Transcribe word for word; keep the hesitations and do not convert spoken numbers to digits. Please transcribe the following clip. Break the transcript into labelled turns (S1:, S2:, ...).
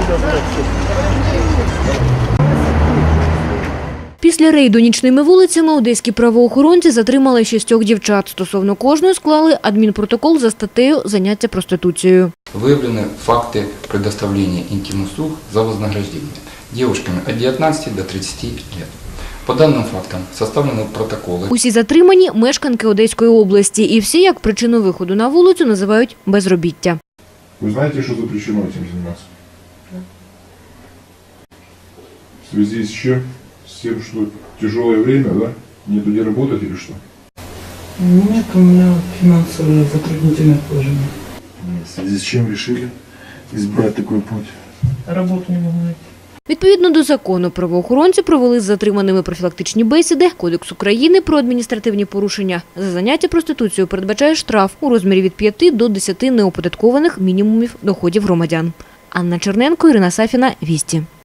S1: Після рейду нічними вулицями одеські правоохоронці затримали шістьох дівчат. Стосовно кожної склали адмінпротокол за статтею «Заняття проституцією».
S2: Выявлены факты предоставления интим-услуг за вознаграждение девушками от девятнадцати до тридцати лет. По данным фактам составлены протоколи.
S1: Усі затримані – мешканки Одеської області. І всі, як причину виходу на вулицю, називають безробіття.
S3: Ви знаєте, що запрещено цим займатися? В связи с чем? С тем, что тяжелое время, да? Нету где работать или что?
S4: Нет, у меня финансовое затруднительное положение.
S3: В связи с чем решили избрать такой путь?
S4: Работу не могу найти.
S1: Відповідно до закону, правоохоронці провели з затриманими профілактичні бесіди. Кодекс України про адміністративні порушення за заняття проституцією передбачає штраф у розмірі від п'яти до десяти неоподаткованих мінімумів доходів громадян. Анна Черненко, Ірина Сафіна, Вісті.